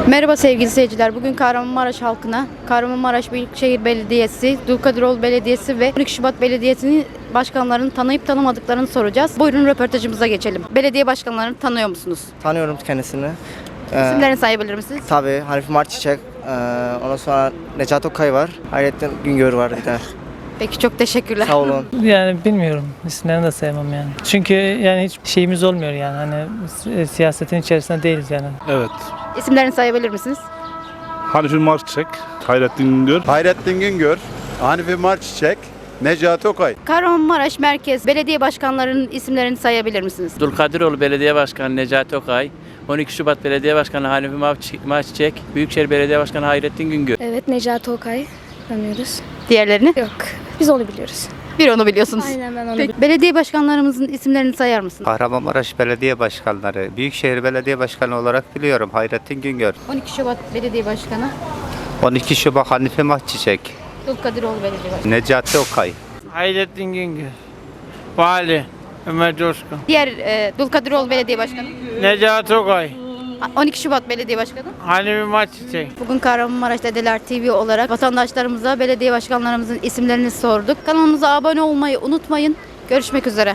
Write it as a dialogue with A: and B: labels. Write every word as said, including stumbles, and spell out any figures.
A: Merhaba sevgili seyirciler. Bugün Kahramanmaraş halkına Kahramanmaraş Büyükşehir Belediyesi, Dulkadiroğlu Belediyesi ve on iki Şubat Belediyesi'nin başkanlarını tanıyıp tanımadıklarını soracağız. Buyurun röportajımıza geçelim. Belediye başkanlarını tanıyor musunuz?
B: Tanıyorum kendisini. Ee,
A: İsimlerini sayabilir misiniz?
B: Tabii Hanifi Marçiçek, ee, ondan sonra Necat Okay var, Hayrettin Güngör var bir de.
A: Peki çok teşekkürler.
B: Sağ olun.
C: Yani bilmiyorum. İsimlerini de sevmem yani. Çünkü yani hiç şeyimiz olmuyor yani. Hani si- siyasetin içerisinde değiliz yani.
D: Evet.
A: İsimlerini sayabilir misiniz?
D: Hanifi Marçiçek, Hayrettin Güngör.
E: Hayrettin Güngör, Hanifi Marçiçek, Necati Okay.
A: Kahramanmaraş Merkez Belediye Başkanlarının isimlerini sayabilir misiniz?
F: Dulkadiroğlu Belediye Başkanı Necati Okay, on iki Şubat Belediye Başkanı Hanifi Mavçi- Marçiçek, Büyükşehir Belediye Başkanı Hayrettin Güngör.
G: Evet, Necati Okay tanıyoruz.
A: Diğerlerini?
G: Yok, biz onu biliyoruz.
A: Bir onu biliyorsunuz.
G: Aynen, ben onu
A: Peki, belediye başkanlarımızın isimlerini sayar mısınız?
H: Kahramanmaraş Belediye Başkanları, Büyükşehir Belediye Başkanı olarak biliyorum Hayrettin Güngör.
A: on iki Şubat Belediye Başkanı,
H: on iki Şubat Hanife Mahçiçek,
A: Dulkadiroğlu Belediye Başkanı.
H: Necati Okay.
C: Hayrettin Güngör. Vali Ömer Coşkun.
A: Diğer e, Dulkadiroğlu Belediye Başkanı,
C: Necati Okay.
A: on iki Şubat Belediye Başkanı.
C: Hanifi Marçiçek.
A: Bugün Kahramanmaraş Dedeler T V olarak vatandaşlarımıza belediye başkanlarımızın isimlerini sorduk. Kanalımıza abone olmayı unutmayın. Görüşmek üzere.